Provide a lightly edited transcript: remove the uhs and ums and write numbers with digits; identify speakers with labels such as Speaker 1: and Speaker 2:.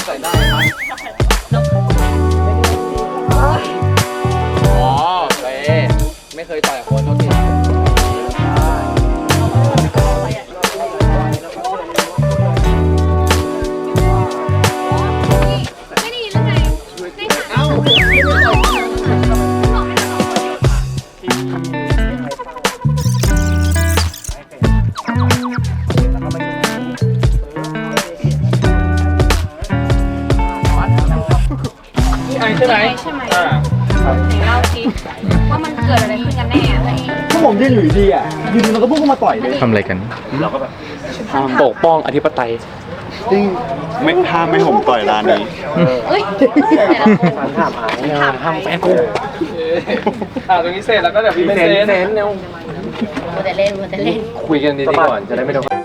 Speaker 1: ใส่ได้ครับอ๋อเป๊ไม่เคยต่อยคนโอเค
Speaker 2: ไม่ได้ยินหรือไงได้ค่ะเอ้าบอกให้เราสองคน
Speaker 1: ไอใช่ไหม
Speaker 2: ใช่ไหมไหนเล่าสิว่ามันเกิดอะไรขึ้นกันแน่อะไร
Speaker 3: พวกผมยืนอยู่ดีอ่ะยืนมันก็พุ่งเข้ามาต่อยเลย
Speaker 4: ทำอะไรกัน
Speaker 1: ปกป้องอธิปไตย
Speaker 3: จริงไม่ห้ามไม่ผมต่อยร้านนี้
Speaker 2: เฮ้ยแต่ละคนถามแฟนกู
Speaker 1: ตรงนี้เสร็จแล้วก็เดี๋ยวพี่เซนเร็ว
Speaker 2: มัวแต่เล่นมัวแต่เล่น
Speaker 1: คุยกันดีๆก่อนจะได้ไม่โดน